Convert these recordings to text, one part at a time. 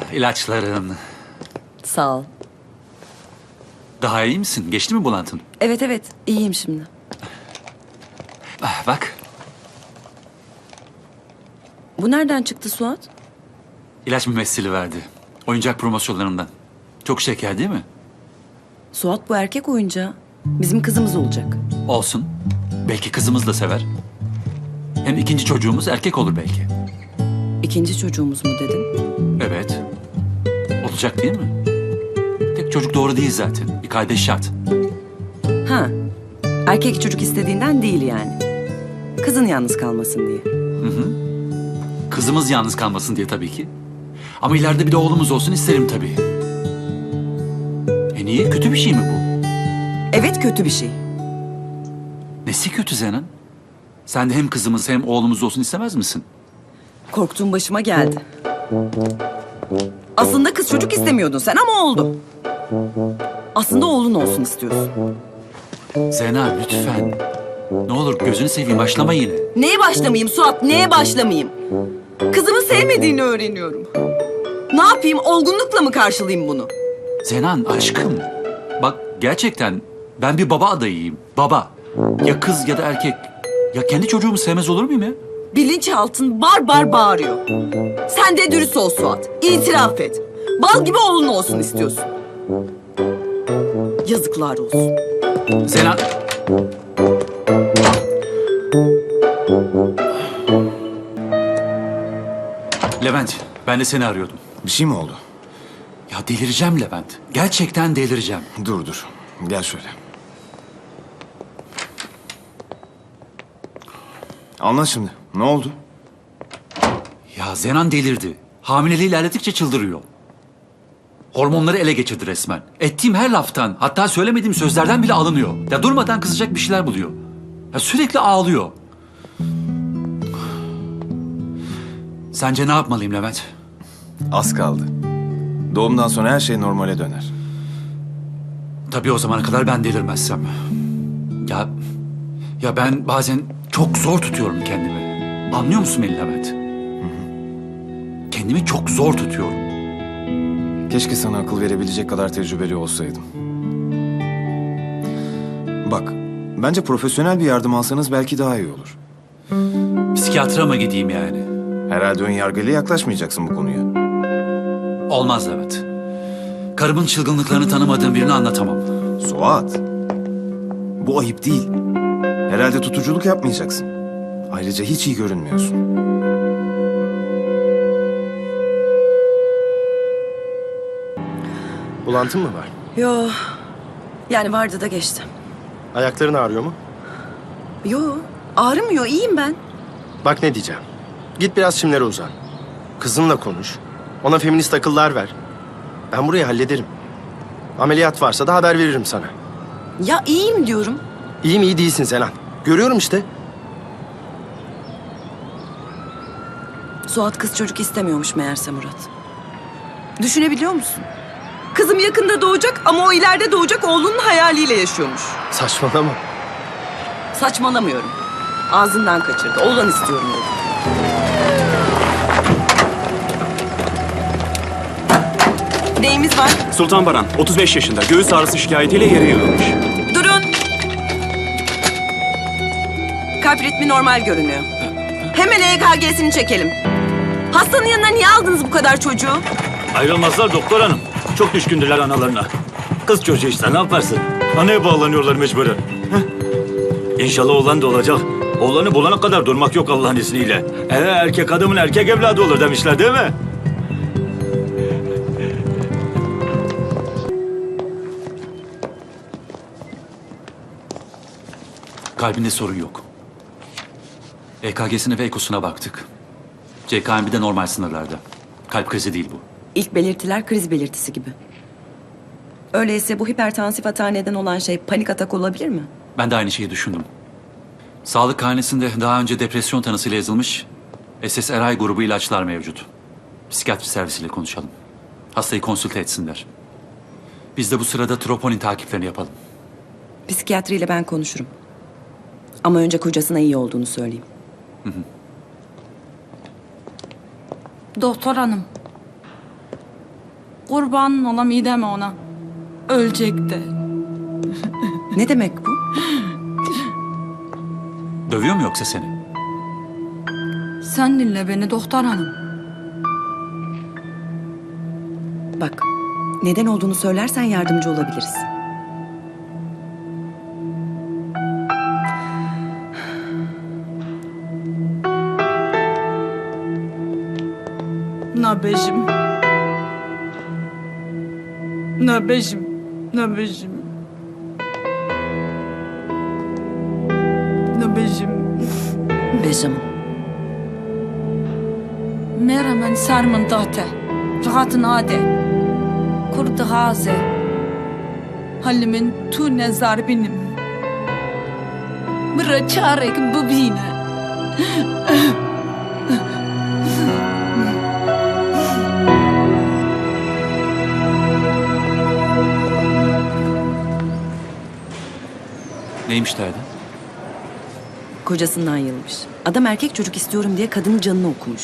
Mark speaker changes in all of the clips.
Speaker 1: İlaçların.
Speaker 2: Sağ ol.
Speaker 1: Daha iyi misin? Geçti mi bulantın?
Speaker 2: Evet evet iyiyim şimdi.
Speaker 1: Bak,
Speaker 2: Bu nereden çıktı Suat?
Speaker 1: ilaç mümessili verdi. Oyuncak promosyonlarından. Çok şeker değil mi?
Speaker 2: Suat bu erkek oyuncağı. Bizim kızımız olacak.
Speaker 1: Olsun. Belki kızımız da sever. Hem ikinci çocuğumuz erkek olur belki.
Speaker 2: İkinci çocuğumuz mu dedin?
Speaker 1: Evet. Olacak değil mi? Tek çocuk doğru değil zaten. Bir kardeş şart.
Speaker 2: Ha. Erkek çocuk istediğinden değil yani. Kızın yalnız kalmasın diye.
Speaker 1: Kızımız yalnız kalmasın diye tabii ki. Ama ileride bir de oğlumuz olsun isterim tabii. Niye? Kötü bir şey mi bu?
Speaker 2: Evet kötü bir şey.
Speaker 1: Nesi kötü Zenan? Sen de hem kızımız hem oğlumuz olsun istemez misin?
Speaker 2: Korktuğum başıma geldi. Aslında kız çocuk istemiyordun sen ama oldu. Aslında oğlun olsun istiyorsun.
Speaker 1: Zenan lütfen. Ne olur gözünü seveyim başlama yine.
Speaker 2: Neye başlamayayım Suat? Neye başlamayayım? Kızımı sevmediğini öğreniyorum. Ne yapayım? Olgunlukla mı karşılayayım bunu?
Speaker 1: Zenan aşkım. Bak gerçekten ben bir baba adayıyım. Baba. Ya kız ya da erkek. Ya kendi çocuğumu sevmez olur muyum ya?
Speaker 2: Bilinçaltın bar bar bağırıyor. Sen de dürüst ol Suat. İtiraf et. Bal gibi oğlun olsun istiyorsun. Yazıklar olsun.
Speaker 1: Zenan. Levent, ben de seni arıyordum.
Speaker 3: Bir şey mi oldu?
Speaker 1: Ya delireceğim Levent. Gerçekten delireceğim.
Speaker 3: Dur. Gel şöyle. Anlat şimdi. Ne oldu?
Speaker 1: Ya Zenan delirdi. Hamileliği ilerledikçe çıldırıyor. Hormonları ele geçirdi resmen. Ettiğim her laftan, hatta söylemediğim sözlerden bile alınıyor. Ya durmadan kızacak bir şeyler buluyor. Ya sürekli ağlıyor. Sence ne yapmalıyım Levent?
Speaker 3: Az kaldı. Doğumdan sonra her şey normale döner.
Speaker 1: Tabii o zamana kadar ben delirmezsem. Ya ben bazen çok zor tutuyorum kendimi. Anlıyor musun beni Levent? Kendimi çok zor tutuyorum.
Speaker 3: Keşke sana akıl verebilecek kadar tecrübeli olsaydım. Bak, bence profesyonel bir yardım alsanız belki daha iyi olur.
Speaker 1: Psikiyatra mı gideyim yani?
Speaker 3: Herhalde ön yargıyla yaklaşmayacaksın bu konuya.
Speaker 1: Olmaz Levent. Karımın çılgınlıklarını tanımadığım birini anlatamam.
Speaker 3: Suat, bu ayıp değil. Herhalde tutuculuk yapmayacaksın. Ayrıca hiç iyi görünmüyorsun.
Speaker 4: Bulantın mı var?
Speaker 2: Yo. Yani vardı da geçti.
Speaker 4: Ayakların ağrıyor mu?
Speaker 2: Yo. Ağrımıyor. İyiyim ben.
Speaker 4: Bak ne diyeceğim. Git biraz çimlere uzan. Kızınla konuş. Ona feminist akıllar ver. Ben burayı hallederim. Ameliyat varsa da haber veririm sana.
Speaker 2: Ya iyiyim diyorum.
Speaker 4: İyi mi iyi değilsin Zenan. Görüyorum işte.
Speaker 2: Suat kız çocuk istemiyormuş meğerse Murat. Düşünebiliyor musun? Kızım yakında doğacak ama o ileride doğacak oğlunun hayaliyle yaşıyormuş.
Speaker 4: Saçmalama.
Speaker 2: Saçmalamıyorum. Ağzından kaçırdı. Oğlan istiyorum dedi. Neyimiz var?
Speaker 5: Sultan Baran, 35 yaşında. Göğüs ağrısı şikayetiyle yere yığılmış.
Speaker 2: Durun. Kalp ritmi normal görünüyor. Hemen EKG'sini çekelim. Hastanın yanına niye aldınız bu kadar çocuğu?
Speaker 5: Ayrılmazlar doktor hanım. Çok düşkündüler analarına. Kız çocuğu işte ne yaparsın? Anaya bağlanıyorlar mecburen. İnşallah oğlan da olacak. Oğlanı bulana kadar durmak yok Allah'ın izniyle. Erkek adamın erkek evladı olur demişler değil mi?
Speaker 1: Kalbinde sorun yok. EKG'sine ve ekosuna baktık. CKMB de normal sınırlarda. Kalp krizi değil bu.
Speaker 2: İlk belirtiler kriz belirtisi gibi. Öyleyse bu hipertansif hata neden olan şey panik atak olabilir mi?
Speaker 1: Ben de aynı şeyi düşündüm. Sağlık karnesinde daha önce depresyon tanısıyla yazılmış SSRI grubu ilaçlar mevcut. Psikiyatri servisiyle konuşalım. Hastayı konsülte etsinler. Biz de bu sırada troponin takiplerini yapalım.
Speaker 2: Psikiyatriyle ben konuşurum. Ama önce kocasına iyi olduğunu söyleyeyim.
Speaker 6: Doktor hanım, Kurban olam iyi deme ona. Ölecek de.
Speaker 2: Ne demek bu?
Speaker 1: Dövüyor mu yoksa seni?
Speaker 6: Sen dinle beni doktor hanım.
Speaker 2: Bak, neden olduğunu söylersen yardımcı olabiliriz.
Speaker 6: Nabejim. Nabejim. Nabejim. Nabejim.
Speaker 2: Benjamin.
Speaker 6: Merhamen sarmın date. Rahatın ade. Kurdu haze. Halimin tu nezar benim. Mıra çarek bu bine.
Speaker 1: Neymiş derdi?
Speaker 2: Kocasından yılmış. Adam erkek çocuk istiyorum diye kadının canını okumuş.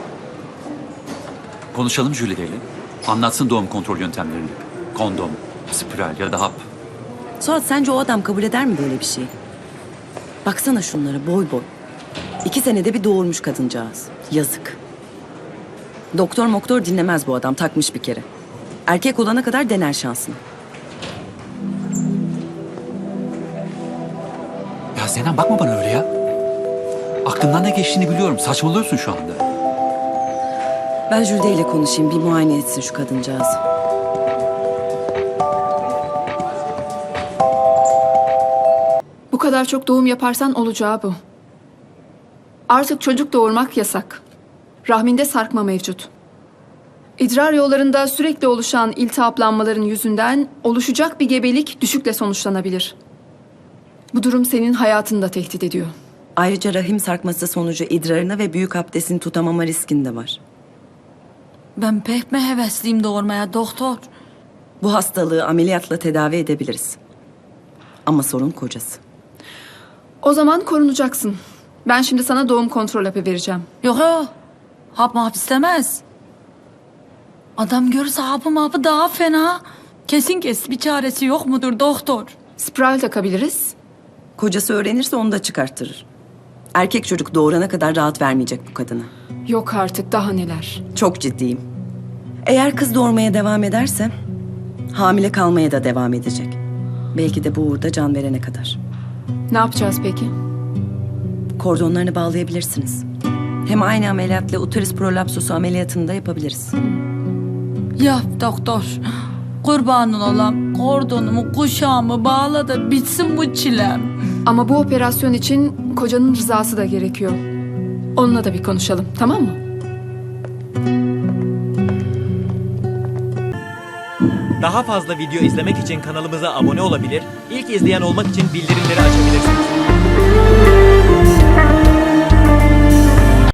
Speaker 1: Konuşalım Jülide ile. Anlatsın doğum kontrol yöntemlerini. Kondom, spiral ya da hap.
Speaker 2: Suat sence o adam kabul eder mi böyle bir şey? Baksana şunlara boy boy. 2 senede bir doğurmuş kadıncağız. Yazık. Doktor dinlemez bu adam, takmış bir kere. Erkek olana kadar dener şansını.
Speaker 1: Ya Zeynep bakma bana öyle ya. Aklından ne geçtiğini biliyorum. Saçmalıyorsun şu anda.
Speaker 2: Ben Jülde ile konuşayım, bir muayene etsin şu kadıncağızı.
Speaker 7: Bu kadar çok doğum yaparsan olacağı bu. Artık çocuk doğurmak yasak. Rahminde sarkma mevcut. İdrar yollarında sürekli oluşan iltihaplanmaların yüzünden oluşacak bir gebelik düşükle sonuçlanabilir. Bu durum senin hayatını da tehdit ediyor.
Speaker 2: Ayrıca rahim sarkması sonucu idrarını ve büyük abdestini tutamama riskin de var.
Speaker 6: Ben pek mi hevesliyim doğurmaya doktor?
Speaker 2: Bu hastalığı ameliyatla tedavi edebiliriz. Ama sorun kocası.
Speaker 7: O zaman korunacaksın. Ben şimdi sana doğum kontrol hapı vereceğim.
Speaker 6: Yok yok. Hap map istemez. Adam görürse hapı daha fena. Kesin bir çaresi yok mudur doktor?
Speaker 7: Spiral takabiliriz.
Speaker 2: Kocası öğrenirse onu da çıkarttırır. Erkek çocuk doğurana kadar rahat vermeyecek bu kadına.
Speaker 7: Yok artık daha neler.
Speaker 2: Çok ciddiyim. Eğer kız doğurmaya devam ederse hamile kalmaya da devam edecek. Belki de bu uğurda can verene kadar.
Speaker 7: Ne yapacağız peki?
Speaker 2: Kordonlarını bağlayabilirsiniz. Hem aynı ameliyatla uterus prolapsusu ameliyatını da yapabiliriz.
Speaker 6: Yap doktor. Kurbanın olam. Kordonumu, kuşağımı bağla da bitsin bu çilem.
Speaker 7: Ama bu operasyon için kocanın rızası da gerekiyor. Onunla da bir konuşalım, tamam mı?
Speaker 8: Daha fazla video izlemek için kanalımıza abone olabilir, ilk izleyen olmak için bildirimleri açabilirsiniz.